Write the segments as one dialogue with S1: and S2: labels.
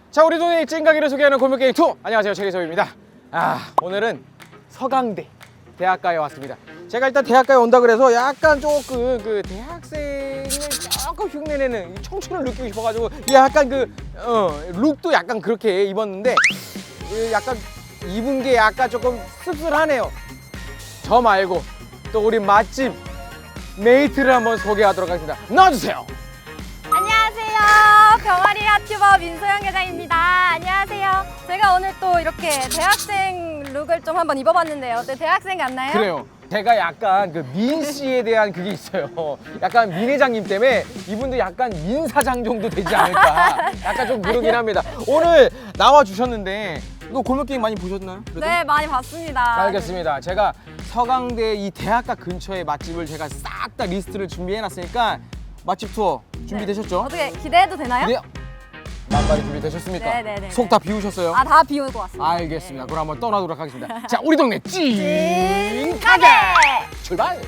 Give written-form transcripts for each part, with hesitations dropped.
S1: 자, 우리 동네 찐가게를 소개하는 골목게임 투. 안녕하세요, 최기섭입니다. 오늘은 서강대 대학가에 왔습니다. 제가 일단 대학가에 온다 그래서 약간 조금 그 대학생을 조금 흉내내는 이 청춘을 느끼고 싶어가지고 약간 룩도 약간 그렇게 입었는데 약간 입은 게 약간 조금 씁쓸하네요. 저 말고 또 우리 맛집 메이트를 한번 소개하도록 하겠습니다. 나와주세요.
S2: 안녕하세요. 병아리 핫튜버 민소영 계장입니다. 안녕하세요. 제가 오늘 또 이렇게 대학생 룩을 좀 한번 입어봤는데요. 어때? 대학생 같나요?
S1: 그래요. 제가 약간 그 민 씨에 대한 그게 있어요. 약간 민 회장님 때문에 이분도 약간 민 사장 정도 되지 않을까. 약간 좀 그러긴 합니다. 오늘 나와 주셨는데 이거 골목 게임 많이 보셨나요? 그래도?
S2: 네, 많이 봤습니다.
S1: 알겠습니다. 제가 서강대 이 대학가 근처의 맛집을 제가 싹 다 리스트를 준비해 놨으니까 맛집 투어 준비되셨죠?
S2: 어떻게 기대해도 되나요?
S1: 네. 만발이 준비되셨습니까?
S2: 네네네.
S1: 속 다 비우셨어요?
S2: 아, 다 비우고 왔습니다.
S1: 알겠습니다. 그럼 한번 떠나도록 하겠습니다. 자, 우리 동네 찐
S2: 가게!
S1: 출발!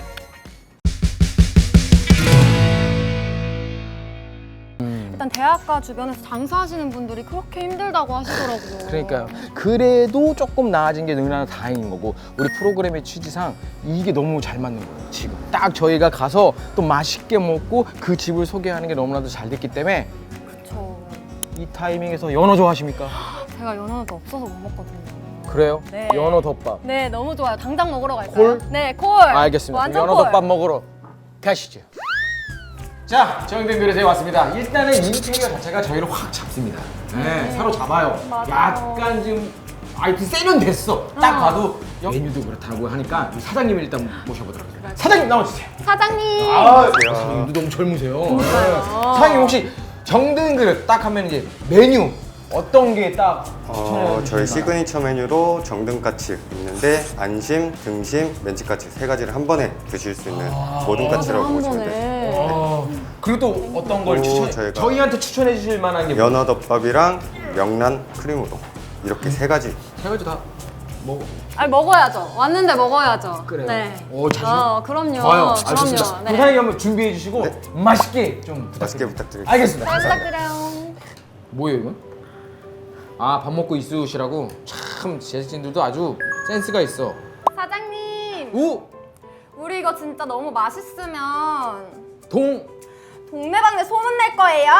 S2: 일단 대학가 주변에서 장사하시는 분들이 그렇게 힘들다고 하시더라고요.
S1: 그러니까요. 그래도 조금 나아진 게 너무나 다행인 거고 우리 프로그램의 취지상 이게 너무 잘 맞는 거예요. 지금 딱 저희가 가서 또 맛있게 먹고 그 집을 소개하는 게 너무나도 잘 됐기 때문에
S2: 그쵸.
S1: 이 타이밍에서 연어 좋아하십니까?
S2: 제가 연어도 없어서 못 먹거든요.
S1: 그래요?
S2: 네.
S1: 연어 덮밥.
S2: 네, 너무 좋아요. 당장 먹으러 갈까요?
S1: 콜?
S2: 네, 콜.
S1: 알겠습니다.
S2: 완전
S1: 연어
S2: 콜.
S1: 덮밥 먹으러 가시죠. 자, 정영된 그릇에 왔습니다. 일단은 인테리어 자체가 저희를 확 잡습니다. 네, 사로잡아요.
S2: 맞아요.
S1: 약간 지금 아이템 세련됐어. 딱 봐도 메뉴도 그렇다고 하니까 우리 사장님을 일단 모셔보도록 하겠습니다. 사장님 나와주세요.
S2: 사장님.
S1: 사장님도 너무 젊으세요. 네. 사장님 혹시 정든 그릇 딱 하면 이제 메뉴 어떤 게 딱 추천해
S3: 저희
S1: 주실까요?
S3: 시그니처 메뉴로 정등까치 있는데 안심, 등심, 멘치까치 세 가지를 한 번에 드실 수 있는 모든 까치라고
S2: 한
S3: 보시면 돼요.
S2: 번에.
S1: 그리고 또 어떤 걸 추천해?
S3: 저희가
S1: 저희한테 추천해 주실 만한 게 뭐예요?
S3: 연어덮밥이랑 명란 크림우동 이렇게 세 가지.
S1: 세 가지 다 먹어.
S2: 아니, 먹어야죠. 왔는데 먹어야죠.
S1: 그래요.
S2: 네.
S1: 오, 자신.
S2: 그럼요.
S1: 좋아요.
S2: 그럼요.
S1: 알겠습니다.
S2: 네.
S1: 사장님 한번 준비해 주시고 맛있게 좀
S3: 맛있게
S1: 부탁드립니다.
S3: 부탁드립니다.
S1: 알겠습니다.
S2: 잘
S1: 감사합니다.
S2: 부탁드려요.
S1: 뭐예요 이건? 밥 먹고 있으시라고. 참 제작진들도 아주 센스가 있어.
S2: 사장님,
S1: 우!
S2: 우리 이거 진짜 너무 맛있으면
S1: 동!
S2: 동네방네 소문낼 거예요?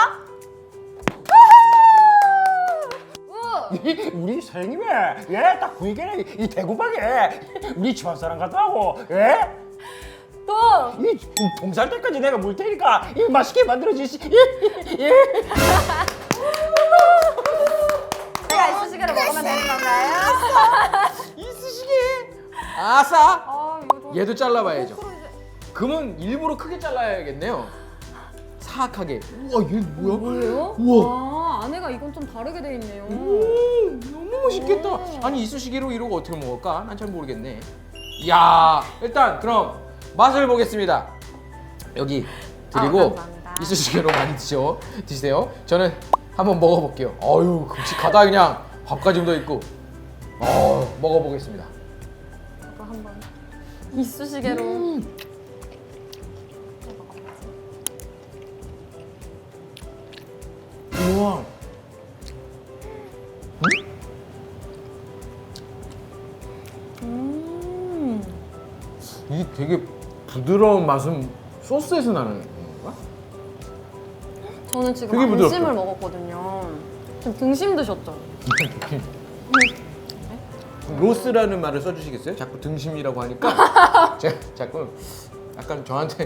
S2: 우후!
S4: 우리 사장님이 딱 보니까 이 대구방에 우리 집안 사람 같다고
S2: 동!
S4: 이 동살 때까지 내가 물 테니까 이 맛있게 만들어 주시.
S2: 제가 이쑤시개를 먹으면 되는 건가요?
S1: 이쑤시개! 아싸!
S2: 이거 좀
S1: 얘도 잘라봐야죠.
S2: 거꾸로 이제-
S1: 그러면 일부러 크게 잘라야겠네요. 사악하게. 우와, 얘 뭐야?
S2: 뭐예요?
S1: 우와.
S2: 아, 안에가 이건 좀 다르게 돼 있네요.
S1: 너무 맛있겠다. 아니 이쑤시개로 이러고 어떻게 먹을까? 난 잘 모르겠네. 이야, 일단 그럼 맛을 보겠습니다. 여기 드리고
S2: 감사합니다.
S1: 이쑤시개로 많이 드세요. 저는 한번 먹어볼게요. 어유, 큼직하다 그냥. 밥까지 묻어 있고. 먹어보겠습니다.
S2: 저도 한번 이쑤시개로.
S1: 우와. 이게 되게 부드러운 맛은 소스에서 나는 건가?
S2: 저는 지금
S1: 되게 부드럽죠?
S2: 안심을 먹었거든요. 지금 등심 드셨죠?
S1: 로스라는 말을 써주시겠어요? 자꾸 등심이라고 하니까 제가 자꾸 약간 저한테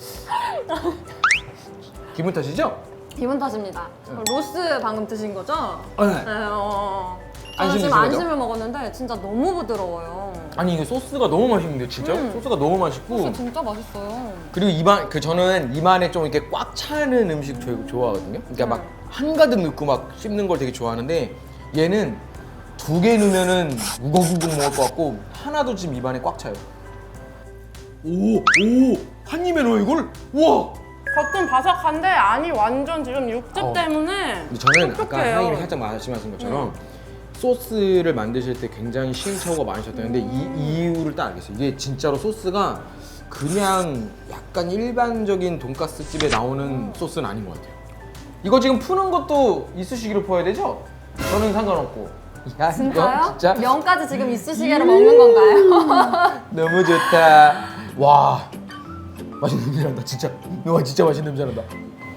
S1: 기분 탓이죠?
S2: 기분 탓입니다. 로스 방금 드신 거죠?
S1: 네.
S2: 네, 저는
S1: 안심
S2: 지금
S1: 드신 거죠?
S2: 안심을 먹었는데 진짜 너무 부드러워요.
S1: 아니 이게 소스가 너무 맛있는데 진짜? 소스가 너무 맛있고
S2: 소스 진짜 맛있어요.
S1: 그리고 저는 입안에 좀 이렇게 꽉 차는 음식 좋아하거든요. 그러니까 막 한가득 넣고 막 씹는 걸 되게 좋아하는데 얘는 두 개 넣으면은 우걱우걱 먹을 것 같고 하나도 지금 입안에 꽉 차요. 한 입에 넣어 이걸? 우와!
S5: 겉은 바삭한데 안이 완전 지금 육즙 때문에
S1: 근데 저는 아까
S5: 촉촉해요.
S1: 사장님이 살짝 말씀하신 것처럼 소스를 만드실 때 굉장히 시행착오가 많으셨다는데 이 이유를 딱 알겠어요. 이게 진짜로 소스가 그냥 약간 일반적인 돈가스 집에 나오는 소스는 아닌 것 같아요. 이거 지금 푸는 것도 이쑤시개로 퍼야 되죠? 저는 상관없고. 야,
S2: 진짜요?
S1: 너 진짜
S2: 면까지 지금 이쑤시개로 먹는 건가요?
S1: 너무 좋다. 와, 맛있는 냄새 난다. 진짜. 와, 진짜 맛있는 냄새 난다.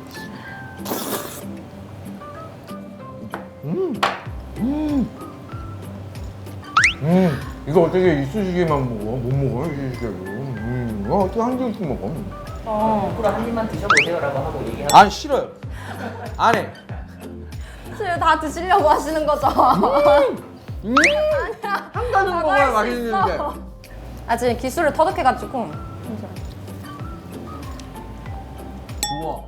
S1: 이거 어떻게 이쑤시개만 먹어? 못 먹어요, 이쑤시개로. 어떻게 한 개씩 먹어?
S6: 앞으로 한 입만 드셔보세요라고 하고 얘기하고
S1: 안 싫어요. 안 해.
S2: 지금 다 드시려고 하시는 거죠?
S1: 한 가지 먹어야 맛있는데.
S2: 아 지금 기술을 터득해가지고
S1: 우와.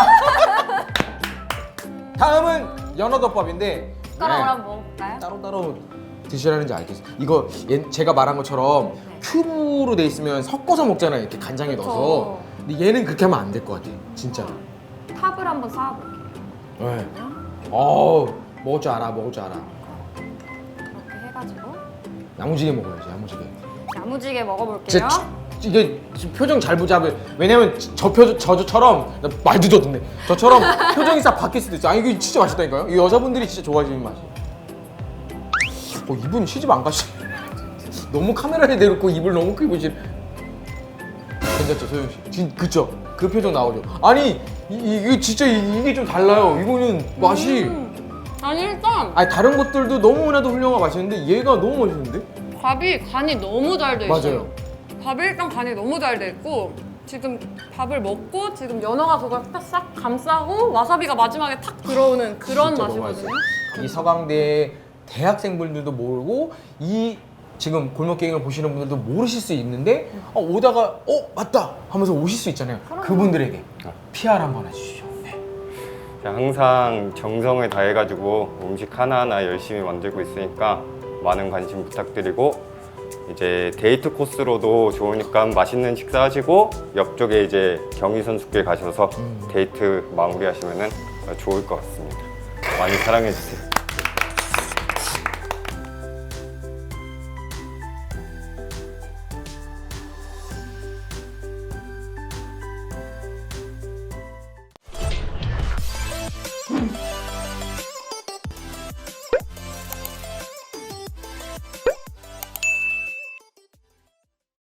S1: 다음은 연어덮밥인데
S2: 숟가락으로 한번 먹어볼까요?
S1: 따로따로 드시라는지 알겠어요. 이거 제가 말한 것처럼 큐브로 돼 있으면 섞어서 먹잖아요. 이렇게 간장에 넣어서. 근데 얘는 그렇게 하면 안 될 것 같아. 진짜.
S2: 탑을 한번 쌓아볼게요.
S1: 네. 먹을 줄 알아. 먹을 줄 알아.
S2: 이렇게 해가지고
S1: 야무지게 먹어야지. 야무지게.
S2: 야무지게 먹어볼게요.
S1: 진짜 이게 지금 표정 잘 보자. 왜냐면 저처럼 나 말도 줬는데 저처럼 표정이 싹 바뀔 수도 있어. 아니 이거 진짜 맛있다니까요. 이 여자분들이 진짜 좋아하시는 맛이. 이분 시집 안 가시. 너무 카메라에 대놓고 입을 너무 크게 보시. 괜찮죠, 소영 씨? 그쵸? 그 표정 나오죠. 아니 이게 진짜 이게 좀 달라요. 이거는 맛이.
S5: 아니 일단
S1: 아니 다른 것들도 너무나도 훌륭하고 맛있는데 얘가 너무 맛있는데?
S5: 밥이 간이 너무 잘 돼 있어요.
S1: 맞아요.
S5: 밥이 일단 간이 너무 잘 돼 있고 지금 밥을 먹고 지금 연어가 그걸 싹 감싸고 와사비가 마지막에 탁 들어오는 그런
S1: 진짜 너무
S5: 맛이거든요.
S1: 맛있어요. 이 서강대 대학생분들도 모르고 이 지금 골목갱이를 보시는 분들도 모르실 수 있는데 오다가 맞다 하면서 오실 수 있잖아요. 그분들에게 PR 한번 해주시죠. 네.
S3: 항상 정성을 다해가지고 음식 하나하나 열심히 만들고 있으니까 많은 관심 부탁드리고 이제 데이트 코스로도 좋으니까 맛있는 식사하시고 옆쪽에 이제 경희 선수께 가셔서 데이트 마무리하시면은 좋을 것 같습니다. 많이 사랑해주세요.